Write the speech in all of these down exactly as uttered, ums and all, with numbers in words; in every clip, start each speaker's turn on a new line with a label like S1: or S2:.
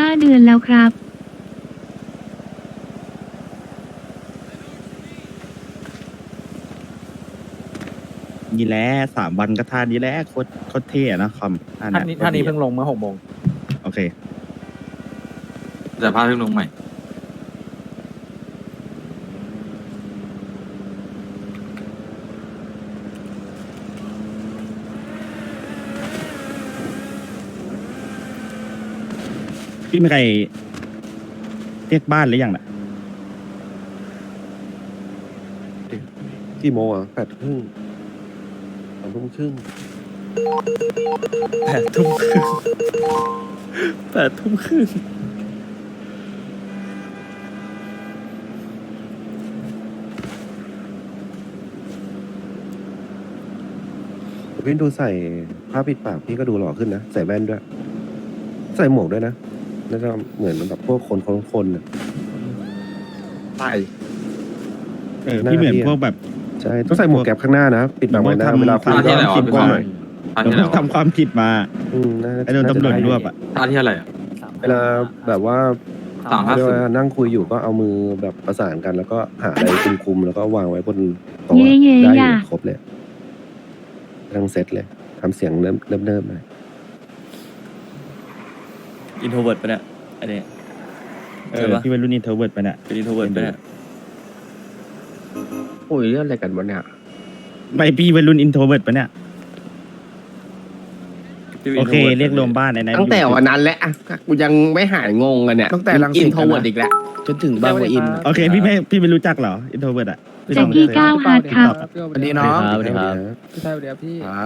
S1: าเดือนแล้วครับ
S2: นี่แหละสามวันก็ท่านี้แหละโคตรโคตรเท่อะนะคอม
S3: ท่านนี้ท่านนี้เพิ่งลงเมื่อหกโมง
S2: โอเค
S4: แต่ภาพเพิ่งลงใหม่
S2: พี่มีใครเรียกบ้านหรือยังน่ะ
S5: กี่โมงอ่ะแปดครึ่งสองทุ่มครึ่ง
S3: แปดทุ่มครึ่งแปดทุ่มครึ่ง
S5: พี่ดูใส่ผ้าปิดปากพี่ก็ดูหล่อขึ้นนะใส่แว่นด้วย ใส่หมวกด้วยนะน่าจะเหมือนแบบพวกคนคนคนอ่ะ
S3: ไป
S2: เออพี่เหมือนพวกแบบ
S5: ใช่ต้องใส่หมวกแก๊ปข้างหน้านะปิดปากไว้นะเวลาคุย
S4: ท่าที่อะไรวะ
S2: คิด
S4: พี่
S2: ว่า
S4: บ
S2: ห
S4: อ
S2: น่อย
S4: ท่า
S2: เดี๋ยว
S4: ที่
S2: พ
S4: อะไร
S2: วก
S4: วะ
S2: ทำความผิดมา
S5: อืมน่า
S2: ไอ้โดนตำรวจรวบอ่ะ
S4: ท่าที่อะไรอ่ะ
S5: เวลาแบบว่า
S4: สามห้า
S5: เรียก
S4: ศูน
S5: ว่า
S4: ย์
S5: นั่งคุยอยู่ก็เอามือแบบประสานกัน แล้วก็หาอะไรคุมๆแล้วก็วางไว้บนโต๊ะ
S1: เย่เย่
S5: ได้อ
S1: อย่า
S5: ยู่ครบเลยทั้งเซตเลยทำเสียงเริ่มเริ่มเริ่มเลย
S6: อินโทรเวิร์ดปะเนี่ยอันนี้
S2: เออพี่เป็นรุ่นอินเทอร์เวิร์ดไปเนี่ย
S6: เป็นอินโทรเวิร์ดปะเนี่ย
S7: คุยเรื่องอะไรกันวะเนี่ย
S2: ไม่พี่เป็นรุ่นอินโทรเวิร์ดไปเนี่ย
S6: พี่ป็น
S2: โอเค
S6: introvert
S2: เรียกรวมบ้านในนั้น
S7: ตั้งแต่วันนั้นแหละอ่ะกูยังไม่หายงงกันเนี่ย
S3: ตั้งแต่รังสิ
S7: อิ
S3: ต
S7: นโทรเวิร์ดอีกแล้ว
S3: จนถึงบางปะอิน
S2: โอเคพี่ไม่พี่ไม่รู้จักเหรออินโทรเวิร์ดอ่ะพี่
S1: แจ็
S2: ต้
S1: ค
S2: อง
S1: กี้ก้าวฮาร์ดครับ
S3: สวัสดีน้อง
S5: สวัสดีครับ
S3: พี่ชายสวัสดีครับพี่
S5: ครับ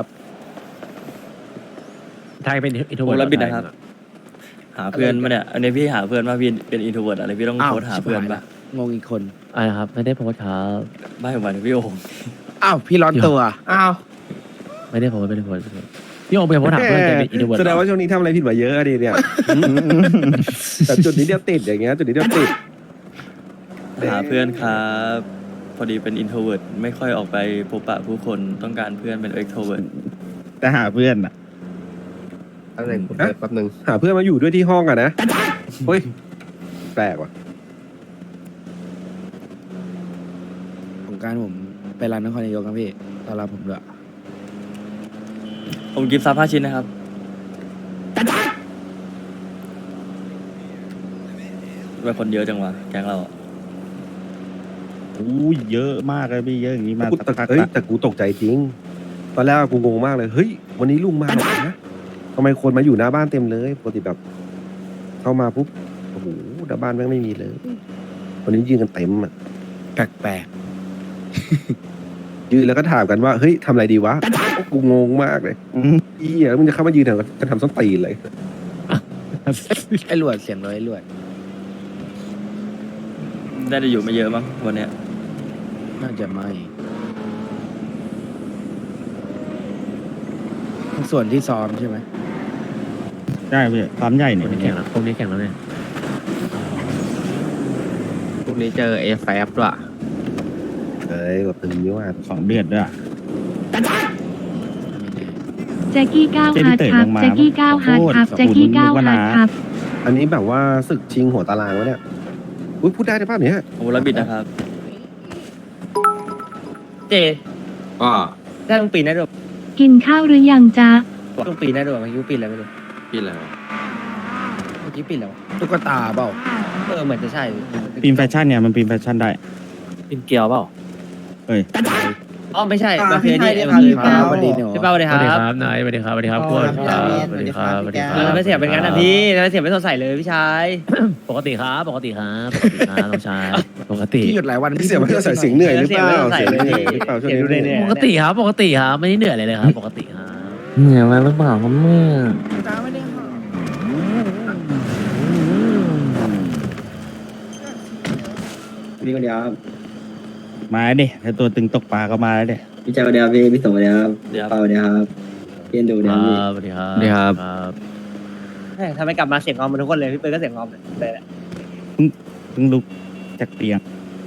S3: ไทยเป็นอินโทร
S6: โอ้
S3: เวิร์ด
S6: แล้วบิดนะครับ หาเพื่อนมาเนี่ย อันนี้พี่หาเพื่อนมาพี่เป็นอินโทรเวิร์ดอะไรพี่ต้องโพสต์หาเพื่อนปะ
S3: งงอีกคน
S8: อะไรครับ ไม่ได้โพสต์ครับ
S6: ไม่หมายถึงพี่โอ่ง
S3: อ้าวพี่ร้อนตัวอ้าว
S8: ไม่ได้โพสต์ไม่ได้โพสต์ไม่ได้โพสต์พี่โอมไปโพสต์ถามเพื่อนแกเป็นอินโทรเวิร์ด
S5: แสดงว่าช่วงนี้ทำอะไรผิดมาเยอะอะดิเนี่ย แต่จุดนี้เดียวติดอย่างเงี้ยจุดนี้เดียวติด
S6: หาเพื่อนครับ พอดีเป็นอินโทรเวิร์ดไม่ค่อยออกไปพบปะผู้คนต้องการเพื่อนเป็นเอ็กโทรเวิร์ด
S2: แต่หาเพื่อนอ่ะ
S7: อะไรกู
S5: ฮะ
S7: เปิดแป๊บนึง
S5: หาเพื่อนมาอยู่ด้วยที่ห้องอะนะเฮ้ยแปลกว่ะ
S3: ของการผมไปร้านนครนายกครับพี่ตอนรับผมด้วย
S6: ผมกิฟต์ซับห้าชิ้นนะครับเป็นคนเยอะจังวะแก๊งเราอะ
S2: อู้ยเยอะมากเลยพี่เยอะอย่างนี้มา
S5: กู
S2: สัก
S5: แต่
S2: พัก
S5: เฮ้ย
S2: ละ
S5: แต่กูตกใจจริง ตอนแรกกูงงมากเลย เฮ้ย วันนี้ลุงมาเหรอนะทำไมคนมาอยู่หน้าบ้านเต็มเลยปกติแบบ เข้ามาปุ๊บ โอ้โหหน้าบ้านแม่งไม่มีเลย วันนี้ยืนกันเต็มอ่ะ
S3: แปลก
S5: ยืนแล้วก็ถามกันว่า เฮ้ยทำอะไรดีวะ กูงงมากเลย
S2: อืม
S5: อีอ่ะมึงจะเข้ามายืนแถวจะทำส้นตีนเลย
S3: ๆไอ้หลวดเสียงเลยไอ้หลวด
S6: ได้จะอยู่ไม่เยอะมั้งวันเนี้ย
S3: น่าจะไม่ส่วนที่ซ้อมใช่ไหม
S2: ใช่พี่ซ้อมใหญ่
S8: พ
S2: เนี่
S8: วย กนี้แข่งแล้วพวกนี้แข่งแล้วเนี่ย
S7: พรุ่งนี้เจอเอฟแฟบด้วย
S5: เฮ้ยแบบตึงเยอะมาก
S2: ของเดือดด้วยอะ
S1: แจ็คกี้ก้าวฮาร์ดครับ
S2: เจ
S1: แจ็ค
S2: พี่
S1: กี้
S2: เต๋อ
S1: ก้าว
S2: ลงมา
S1: ฮาร์ดครับ
S2: โอ้โห
S1: แจ็คกี้ก้าว
S2: นึกว่า
S1: ฮาร์ด
S2: น้า
S1: ครับ
S5: อันนี้แบบว่าศึกชิงหัวตารางวะเนี่ย อุ้ยพูดได้ได้ป่ะเนี่ย
S6: โอ้แล้วบิดนะครับ
S9: เจ
S4: ก็
S9: ได้ต้องปีนได้ด้วย
S1: กินข้าวหรือยังจ๊ะ
S9: ต้องปีนได้ด้วยเมื่อกี้ปีนอะไรไม่รู้
S4: พี่อะไรวะ
S9: เมื่อกี้ปีนแล้ว
S3: ตุ๊กตาเปล่า
S9: เออเหมือนจะใช่
S2: ปีนแฟชั่นเนี่ยมันปีนแฟชั่นได้
S8: เป็นเกียวเปล่า
S2: เอ้ย
S9: อ๋อไม่ใช่
S7: อ่า
S9: มันคือนี่
S7: พี่
S9: เอ
S7: ไทย
S9: อ
S7: พี่
S9: คือ
S7: ไทย
S9: เปา
S3: สวัสดีเนาะ
S9: พี่เป้าสวัสดี
S8: ส
S9: ค
S8: วัสดี
S9: รับ
S8: ครับนายสวัสดีครับสวัสดีครับ
S7: อ๋อ
S8: พวก
S7: ครับ
S8: สวัสดีครับสวัสดีค
S9: เอ
S8: รับ
S9: อไม่เสียเป็นงั้นนะพี่ไม่เสียไม่สดใสเลยพี่ชาย
S8: ปกติครับ ปกติครับปกติครับน้องชายปกติ
S3: พี่หยุดหลายวัน
S5: พี่เสียมันจะใส่เสียงเหนื่อยหรือเปล่าเสียงเหนื่อยหรือเปล่าช่วง
S9: เสียงดู
S5: นี้
S9: เหนื่อยๆ
S8: ปกติครับปกติครับไม่ได้เหนื่อยอะไรเลยครับ ปกติครับ
S7: เหนื่อยมาหรือเปล่าครับเนี่ย
S3: ตาไม่ได้หา
S7: พี่คนเดียวครับ
S2: มาดิถ้าตัวตึงตกปลาก็มาแล้วเด้
S7: พี่เจ้าคนเดียวพี่พี่สมคนเดียวครับ
S6: เดี๋ยว
S7: เปาคนเดียวครับพี่เอ็นดู
S8: ค
S7: เดียว
S8: รั
S7: พี่
S8: บสวัสดีครับ
S7: สวัสดีครับ
S8: ครับ
S9: เฮ้ยทำไมกลับมาเสียงงอมมาทุกคนเลยพี่เปิ้ลก็เสียงงอมเลยแหละ
S2: เพิ่งลุกจากเตียง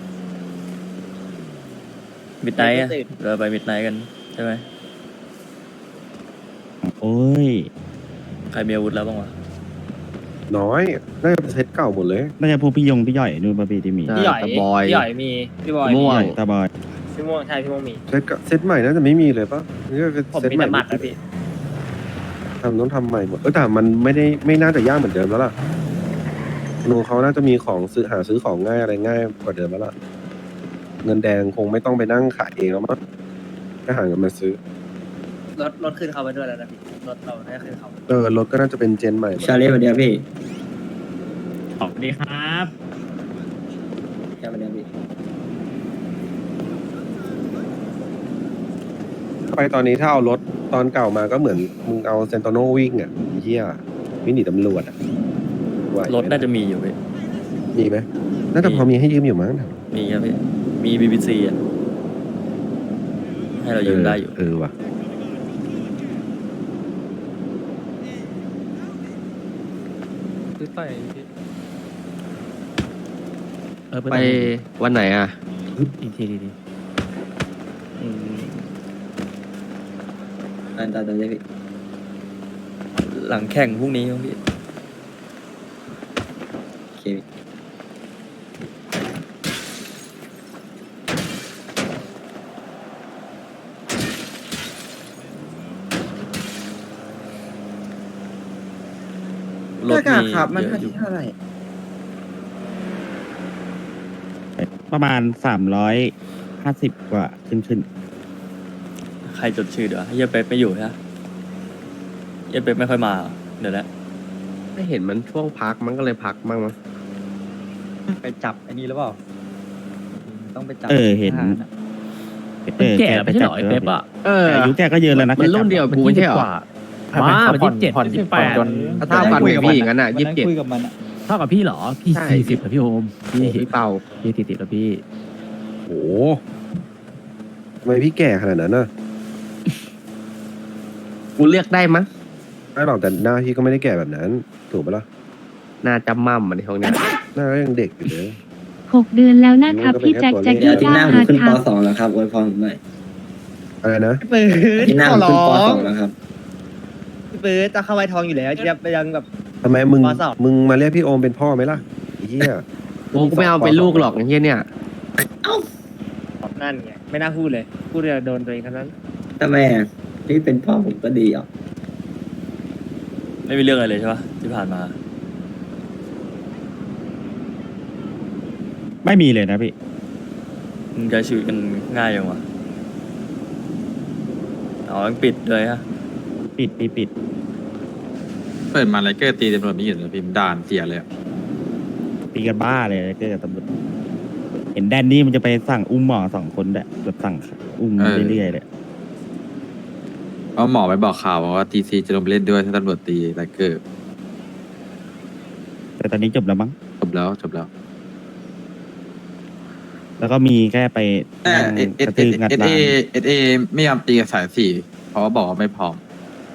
S6: มิดไนท์อะเราไปมิดไนท์กันใช่ไหม
S2: โอ้ย
S6: ใครมีอาวุธแล้วบ้างวะ
S5: น้อยน่าจะเป็นเซตเก่าหมดเลย
S2: น่าจะพวกพี่ยงพี่ย่อยนู่นปะพี่ที่มี
S9: พี่หย่อย
S8: ตะบอย
S9: พี่หย่อยมีพี่บอย
S8: ม่
S9: มี
S8: วง
S2: ตาบอย
S9: พี่ม่วงใช่พี่ม่วงมี
S5: เซตเก่าเซตใหม่น่าจะไม่มีเลยปะนี่ก็เป็น
S9: ผม
S5: เซต
S9: มี
S5: ใหม่
S9: แต่หมัดนะพี่
S5: ทำต้องทำใหม่หมดเออแต่มันไม่ได้ไม่น่าจะยากเหมือนเดิมแล้วล่ะลุงเขาน่าจะมีของซื้อหาซื้อของง่ายอะไรง่ายกว่าเดิมแล้วล่ะเงินแดงคงไม่ต้องไปนั่งขายเองแล้วมั้งก็หาเงินมาซื้อ
S9: รถรถขึ้นเขาไปด้วยแล้วนะพี่รถเราได้ขึ้นเขา
S5: เออรถก็น่าจะเป็นเจนใหม่หมด
S7: ชาเล่สวัสดีครับพี่
S8: สวัสดีครับ
S7: ชาเล่สวัสดีครับพี่
S5: ไปตอนนี้ถ้าเอารถตอนเก่ามาก็เหมือนมึงเอาเซนโตโนวิ่งอ่ะเหี้ยวิ่งหนีตำรวจอ่ะไหวไหม
S6: รถน่าจะมีอยู่พี่
S5: มีไหมน่าจะพอมีให้ยืมอยู่มั้ง
S6: มีครับพี่มีบีบีซีอ่ะให้เรายืมได้อยู่
S5: เออว่ะ
S8: เออ
S3: ไปวันไหนอ่ะ
S8: อีกทีดี
S6: อืม
S7: ตามตามตามเลยพี่
S6: หลังแข่งพรุ่งนี้ครับพี่
S7: โอเคพี่
S6: รถมีเยอะอยู่
S2: ประมาณสามร้อยห้าสิบกว่าขึ้นขึ้น
S6: ใครจดชื่อเดี๋ยวเฮียเป๊ปไม่อยู่ใช่ไหมเฮียเป๊ปไม่ค่อยมาเหรอเดี๋ยวนะ
S3: ไม่เห็นมันช่วงพักมันก็เลยพักบ้างมั้ง
S9: ไปจับไอ้นี่หรือเปล่าต้องไปจับ
S2: เออเห็น
S8: ๆมันแก่ไม่ใช่เหรอไอ้เป๊ปอ่ะ
S3: เออ
S2: แต่อายุแกก็เยอะแล้วนะ
S3: มันรุ่นเดียวกับกูไม่ใช่เหรอ
S8: มามันยี่สิบเจ็ดยี่สิบแปด
S3: ถ้าเท่ากันกับพี่อย่างนั้นอ่ะยี่สิบเจ็ด
S9: คุยกับมันอะ
S8: เท่ากับพี่เหรอ พี่
S3: ใช่
S8: สี่สิบกับพี่โอมพี่
S3: พี่เป่า
S8: พี่สี่สิบแล้วพี่
S5: โอ้โหทำไมพี่แก่ขนาดนั้นน่ะ
S3: กูเลือกได้มั้ง
S5: ไม่หรอกแต่หน้าพี่ก็ไม่ได้แก่แบบนั้น ถูกปะล่ะ
S3: น่าจำมั่มมันในห้องเนี้ย
S5: หน้าก็ยังเด็กอยู่เลย
S1: หกเดือนแล้วนะครับพี่แจ็คแจ็ค
S7: เดี๋ยว
S1: กี้
S7: อาที่ห
S1: ก้า
S7: น้าผม
S1: ฮาร์ด
S7: ขึ้น
S1: ค
S7: ป
S1: รับ
S7: สองแล้วครับอวยพรผมหน่อย
S5: อะไรนะ
S9: พี่ปืน
S7: อาที่หน้าผมขึ้นปสองแล้วครับ
S9: พี่ปืนจะเข้าไว้ทองอยู่แล้วจะไปยังแบบ
S5: ทำไมมึง
S9: ปสอง
S5: มึงมาเรียกพี่โอมเป็นพ่อไหมล่ะไอ้เหี้ย
S3: โอ้กูไม่เอาเป็นลูกหรอกไอ้เหี้ยเนี่ย
S9: นั่นไงไม่น่าพูดเลยพูดเลยโดนตัวเองทั้งนั้น
S7: ทำไมอ่ะพี่เป็นพ่อผมก็ดีอ่ะ
S6: ไม่มีเรื่องอะไรเลยใช่ปะที่ผ่านมา
S2: ไม่มีเลยนะพี่
S6: มึงใช้ชีวิตกันง่ายยังวะอ๋อยังปิดเลยฮะ
S2: ปิดปิดปิด
S4: เปิดมาอะไรเกอร์ตีตำรวจไม่หยุดเลยพิมพ์ด่านเสียเลยอะ
S2: ปีกันบ้าเลยเกิดกับตำรวจเห็นแดนนี่มันจะไปสั่งอุ้มหมอสองคนแบบแบบสั่งอุ้มเรื่อยๆเลย
S4: เพราะหมอไปบอกข่าวว่าทีซีจะลงไปเล่นด้วยถ้าตำรวจตีไรเกอร์
S2: แต่ตอนนี้จบแล้วมั้ง
S4: จบแล้วจบแล้ว
S2: แล้วก็มีแค่ไป
S4: แต่
S2: นั่ง
S4: เอสเอก
S2: ระ
S4: ส
S2: ตืองัด
S4: เอส
S2: ร้า
S4: เอน เอสเอไม่ยอมตีกับสายสี่เพราะว่าบอกว่าไม่พร้อม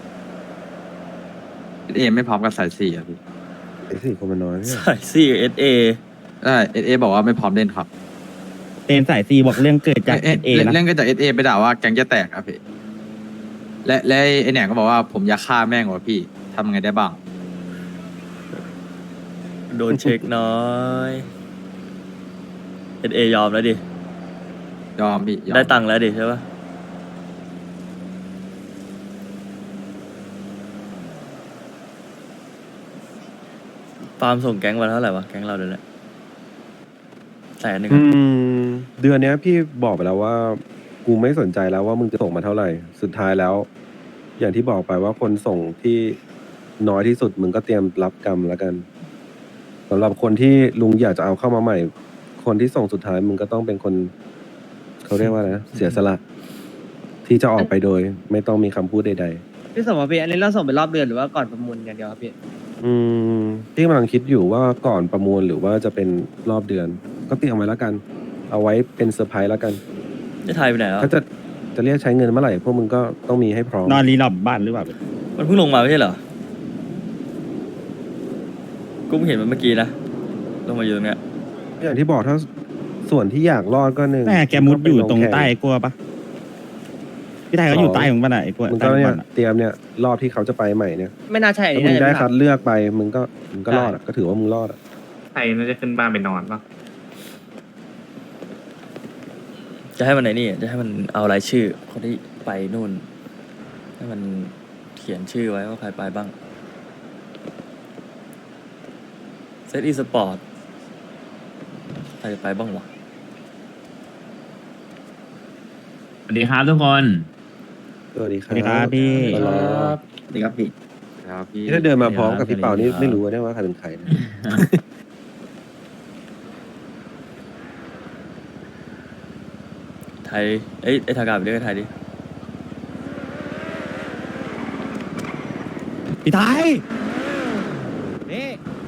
S4: เอสเอไม่พร้อมกับสายสี่อ่ะพี่
S5: ไอ้สี่คนมันน้อยเนี่ย
S6: สายซี่เอสเอ
S4: ใช่เอสเอบอกว่าไม่พร้อมเล่นครับ
S2: เต็นสายซีบอกเรื่องเกิดจาก
S4: เอ
S2: เอ
S4: เอ
S2: นะ
S4: เรื่องก็จากเอสเอไปด่าว่าแก๊งจะแตกครับพี่และและไอแหนงก็บอกว่าผมอยากฆ่าแม่งว่ะพี่ทำไงได้บ้าง
S6: โดนเช็คน้อยเอสเอยอมแล้วดิ
S4: ยอมพี่ยอม
S6: ได้ตังค์แล้วดิใช่ปะฟาร์มส่งแก๊งมาเท่าไหร่วะแก๊งเราเดือนละแสนหนึ่ง
S5: อื
S6: อะ
S5: มเดือนเนี้ยพี่บอกไปแล้วว่า กูไม่สนใจแล้วว่ามึงจะส่งมาเท่าไหร่ สุดท้ายแล้ว อย่างที่บอกไปว่าคนส่งที่น้อยที่สุดมึงก็เตรียมรับกรรมแล้วกันสำหรับคนที่ลุงอยากจะเอาเข้ามาใหม่ คนที่ส่งสุดท้ายมึงก็ต้องเป็นคนเขาเรียกว่าอะไรนะเสียสละ ที่จะออกไปโดย ไม่ต้องมีคำพูดใด
S9: พี่สมบัติอันนี้เราส่งเป็นรอบเดือนหรือว่าก่อนประมูลอย่างเดียวครับพี่
S5: ๆ อืมที่กำลังคิดอยู่ว่าก่อนประมูลหรือว่าจะเป็นรอบเดือน ก็เตรียมไว้แล้วกัน เอาไว้เป็นเซอร์ไพรส์แล้วกัน
S6: จะไทยไปไหนแล้ว
S5: ถ้าจะจะเรียกใช้เงินเมื่อไหร่พวกมึงก็ต้องมีให้พร้อม
S2: นอนรีหลอบบ้านหรือเปล่า
S6: มันเพิ่งลงมาไม่ใช่เหรอกูเพิ่งเห็นมันเมื่อกี้นะลงมาอยู่ตรงเนี้ย
S5: อย่างที่บอกถ้าส่วนที่อยากรอดก็หนึ่ง
S2: แม่แกมุดอยู่ตรงใต้กลัวปะพี่ไทยเขาอยู่ใต้ของมันอ่ะไอ้พวก
S5: มึง
S2: ใต้
S5: ก็
S2: ของ
S5: เนี่
S2: มั
S5: ย
S2: นอะ
S5: เตรียมเนี่ยรอบที่เขาจะไปใหม่เนี่ย
S9: ไม่น่าใช่อัน
S5: ถ้า
S9: นี้
S5: มึง
S9: น่าจะ
S5: ได้
S9: เป็น
S5: คัดเลือกไปมึงก็มึงก็รอดอะก็ถือว่ามึงรอดอะ
S10: ใครน่าจะขึ้นบ้านไปนอนปะ
S6: จะให้มันไหนนี่จะให้มันเอารายชื่อคนที่ไปนู่น ให้มันเขียนชื่อไว้ว่าใครไปบ้างเซตอีสปอร์ตใครจะไปบ้างวะ
S10: สวัสดีครับทุกคน
S5: สวัสดีค
S2: ส
S5: รับ
S2: วัสดีครับพี่
S7: ครับสวัสดีครับพี่
S4: ครับพี่
S5: นี่ถ้าเดินมาพร้อมกับพี่เปานี่ไม่รู้นะว่าใครเป็นใครนะ
S6: ไทยเอ้ยไอ้ทากาไปเรียกไอ้ไทยดิ
S2: พี่ไทยนี่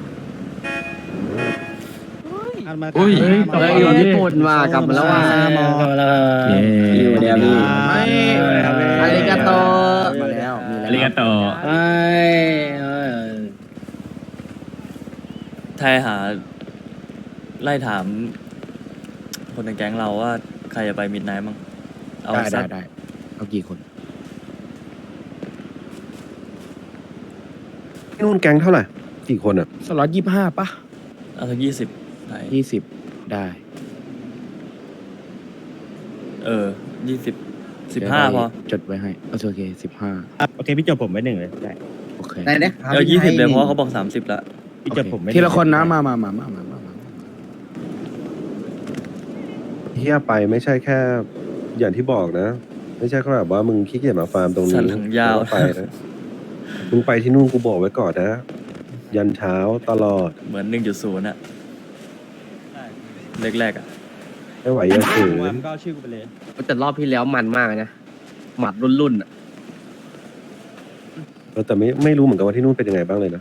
S2: อันมา
S4: อุ้ย
S2: เฮ้ย
S3: เฮ้ยอยู่ญี่ปุ่นว่ะกลับมาแล้วว่ะ
S9: กลับมาแล้วครับ
S7: อยู่เดียวพี่
S3: อาริกาโตมาแล้วมี
S10: อา
S3: แล้ว
S10: ริกาโต
S9: ไอ้เอ้ย
S6: ไทยหา ไล่ถาม คนในแก๊งเราว่าใครจะไปมิดไนท์มั้งเอา
S3: ได้
S6: สั
S3: ได้
S6: ก
S3: ได้เอากี่คน
S5: ที่นู่นแก๊งเท่าไหร่กี่คนอ่ะ
S3: สล็อตยี่ห้าป่ะ
S6: เอาสักยี่สิบไทย
S3: ยี่สิบได้
S6: เออยี่สิบสิบห้าพอ
S3: จดไว้ให้โอเคสิบห้า
S2: อ่ะโอเคพี่จบผมไว้หนึ่งเลยได้
S3: โอเค
S7: ได้นะ
S6: เออยี่สิบเลยเพราะเขาบอกสามสิบละ
S2: พี่จบผมไว้หง
S3: ทีละคนนะมามามามามามามา
S5: เฮียไปไม่ใช่แค่อย่างที่บอกนะ ไม่ใช่แค่แบบว่ามึงขี้เกียจมาฟาร์มตรง
S6: สั
S5: นี้
S6: นหลังยาว
S5: แล้วไปนะมึงไปที่นู่นกูบอกไว้ก่อนนะ ยันเช้าตลอด
S6: เหมือนหนึ่งจุดศูนย์อะแรกๆอะ
S5: ไม่ไหวอย่าฝืน
S2: ก็เอาชื่อกูไปเลย
S8: แต่รอบที่แล้วมันมากนะ หมัดรุ่นๆอ่ะ
S5: เออแต่ไม่ไม่รู้เหมือนกันว่าที่นู่นเป็นยังไงบ้างเลยนะ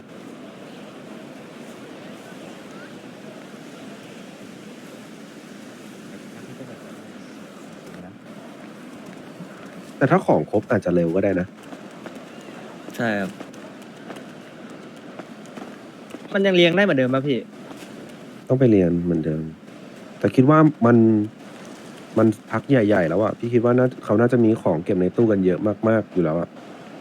S5: แต่ถ้าของครบอาจจะเร็วก็ได้นะ
S6: ใช่ครับ
S9: มันยังเลี้ยงได้เหมือนเดิมป่ะพี่
S5: ต้องไปเรียนเหมือนเดิม แต่คิดว่ามันมันพักใหญ่ๆแล้วอะพี่คิดว่าน่าเขาน่าจะมีของเก็บในตู้กันเยอะมากๆอยู่แล้วอะ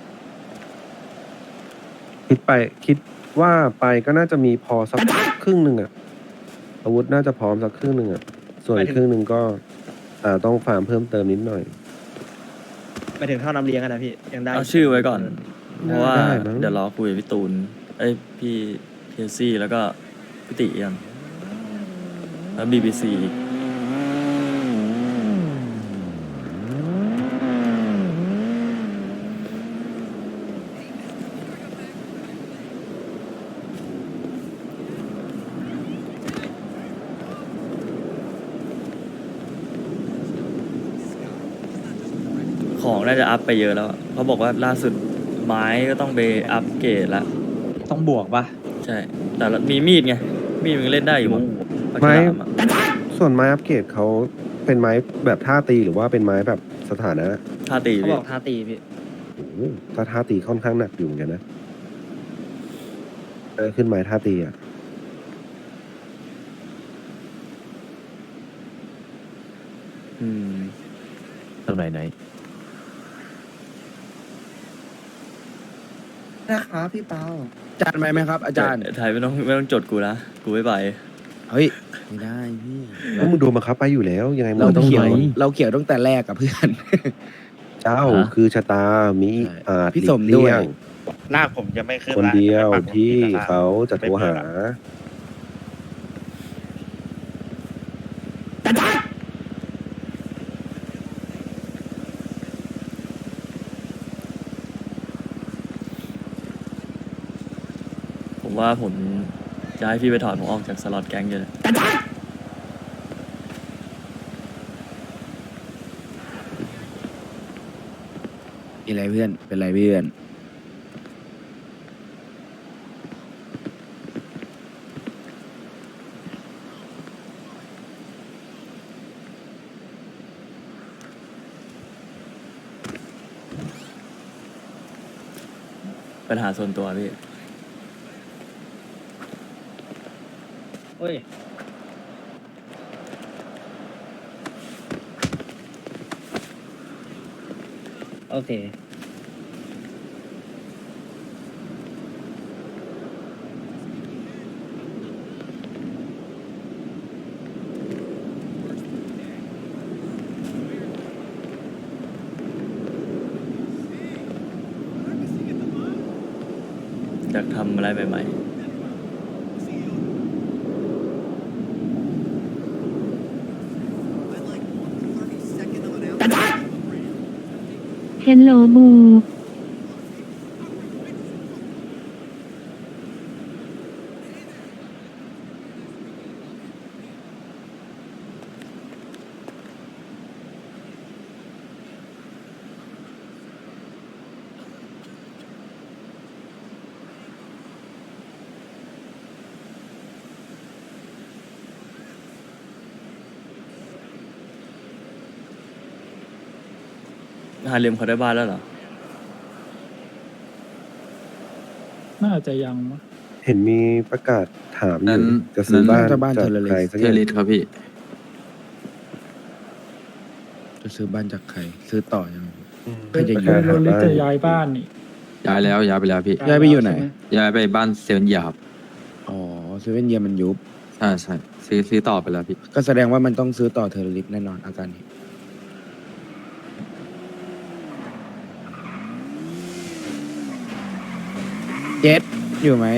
S5: คิดไปคิดว่าไปก็น่าจะมีพอสักครึ่งหนึ่งอะอาวุธน่าจะพร้อมสักครึ่งหนึ่งอะส่วนอีกครึ่งหนึ่งก็อ่าต้องฟาร์มเพิ่มเติมนิดหน่อย
S9: ไปถึงเท่าน้ำเลี้ยงกันนะพี่ยังได้
S6: เอาชื่อไว้ก่อน เพราะว่า
S5: ได้มั้ง
S6: เดี๋ยวรอคุยกับพี่ตูน เอ้ยพี่เทซี่แล้วก็พี่ติยังแล้วบีบีซีอีก ของน่าจะอัพไปเยอะแล้วอะเขาบอกว่าล่าสุดไม้ก็ต้องไปอัพเกรดแล้ว
S9: ต้องบวกป่ะ
S6: ใช่ แต่ละมีมีดไง มีดมันเล่นได้อยู่มั้งปาก
S5: ไม้
S6: ฉลามอะ
S5: ส่วนไม้อัปเกรดเขาเป็นไม้แบบท่าตีหรือว่าเป็นไม้แบบสถานะ
S6: ท่าตี
S9: เขา
S6: พี่
S9: บอกท้าตีพี่
S5: โอ้โหถ้าท่าตีค่อนข้างหนักอยู่เหมือนกันนะเออขึ้นไม้ท่าตีอ่ะ
S6: อืม
S8: ตรงไหนไหน
S7: นะครับพี่เปา
S3: อาจารย์ไปไหมครับ อาจารย์
S6: ไทยไม่ต้องไม่ต้องจดกูนะ กูไม่ไป
S3: เฮ้ยไม่ได้พี่
S5: แล้วมึงโดนบังคับไปอยู่แล้ว ยังไงมึง
S3: เรา
S5: ก็ต้อง
S3: เขี
S5: โด
S3: ยวน เราเขียวตั้งแต่แรกกับเพื่อน
S5: เจ้าคือชะตามีอาจ
S3: พี่
S5: หลี
S3: ส
S5: ก
S3: มด้
S5: เลี่
S3: วย
S5: ยง
S2: ลากผมจะไม่ขึ้น
S5: คน
S2: ละ
S5: เดียว
S2: จะไปปักหมุด
S5: ที่
S2: ที่ตลด
S5: เขาจะโทรหา
S6: ผมว่าผมจะให้พี่ไปถอดผมออกจากสล็อตแก๊งเลย
S3: มีอะไรเพื่อน เป็นไรเพื่อน
S6: ปัญหาส่วนตัวพี่
S9: โอ้ยโอเค
S6: อยากทำอะไรใหม่
S1: เฮลโลบู
S6: ๆฮาเลมเขาได้บ้านแล้วเหรอ
S9: น่าจะยังมั้ง
S5: เห็นมีประกาศถามอ
S4: นั้
S5: ยู่
S4: น
S5: จะซื้อบ้าน
S3: จะบ้าน
S5: จาก
S3: เทอร์เรลิส
S5: ใครสักอ
S4: เท
S5: ย่าง
S4: ลิสครับพี่
S3: จะซื้อบ้านจากใคร ซื้อต่อยังไง
S5: อืม
S3: ใครจะ
S5: ประกาศหาบ้าน
S9: ย้ายบ้านนี่
S4: ย้ายแล้วย้ายไปแล้วพี่
S3: ย้ายไปอยู่ไหน
S4: ย้ายไปบ้านเซเว่นเยียร์ครับ
S3: อ๋อเซเว่นเยียมันยุบ
S4: ใช่ใช่ซื้อซื้อต่อไปแล้วพี่
S3: ก็แสดงว่ามันต้องซื้อต่อเทอร์เรลิสแน่นอนอาการนี้เจ็ดอยู่ไหม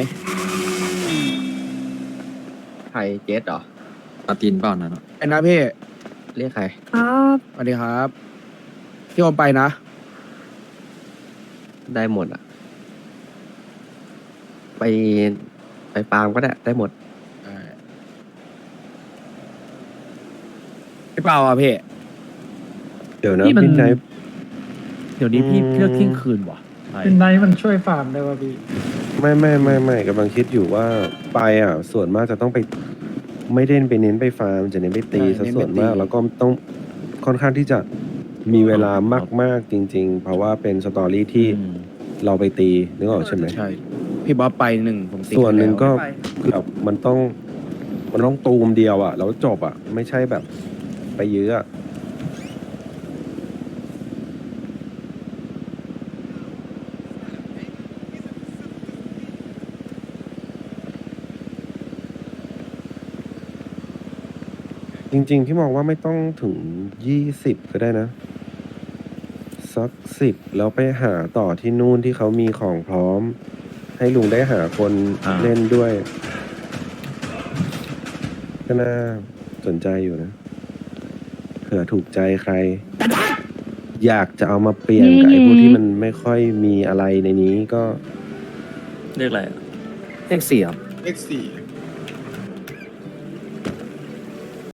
S7: ใครเจสเหรอ
S4: มาตินเปล่านั่นอะ
S3: ไอ้นะพี่
S7: เรียกใคร
S3: สวัสดีครับพี่โอมไปนะ
S7: ได้หมดอ่ะ ไปไปฟาร์มก็ได้ได้หมด
S3: พี่เปาอ่ะพี่
S5: เดี๋ยวนะ
S8: นี่มัน
S5: พี่ไนท์
S8: เดี๋ยวนี้พี่
S5: อืม
S8: เลือกเที่ยงคืนว่ะไป
S9: เป็นไนท์มันช่วยฟาร์มได้ป่ะพี่
S5: ไม่ไม่ไม่ไม่กำลังคิดอยู่ว่าไปอ่ะ ส่วนมากจะต้องไป ไม่ได้ไปเน้นไปฟาร์มจะเน้นไปตี
S3: ใช่
S5: ซะ
S3: เน้นไป
S5: ส่วนมาก
S3: ตี
S5: แล้วก็ต้องค่อนข้างที่จะมีเวลามาก ๆ จริง ๆ เพราะว่าเป็นสตอรี่ที่
S8: อืม
S5: เราไปตีนึกออกใช่ไหม
S3: ใช่ พี่บ๊อบไปหนึ่งผมติด
S5: ส่วนหนึ่งก็
S3: แล้ว
S5: คือแบบมันต้อง มันต้องตูมเดียวอ่ะแล้วจบอ่ะ ไม่ใช่แบบ ไปเยอะอะ จริงๆ ที่มองว่าไม่ต้องถึงยี่สิบก็ได้นะ สักสิบแล้วไปหาต่อที่นู่นที่เขามีของพร้อม ให้ลุงได้หาคน
S8: อ่า
S5: เล่นด้วย ก็น่าสนใจอยู่นะเผื่อถูกใจใคร อยากจะเอามาเปลี่ยนกับไอ้พวกที่มันไม่ค่อยมีอะไรในนี้ก็
S6: เรียกอะไรอะ
S7: เลขสี่เหรอ
S3: เลขสี่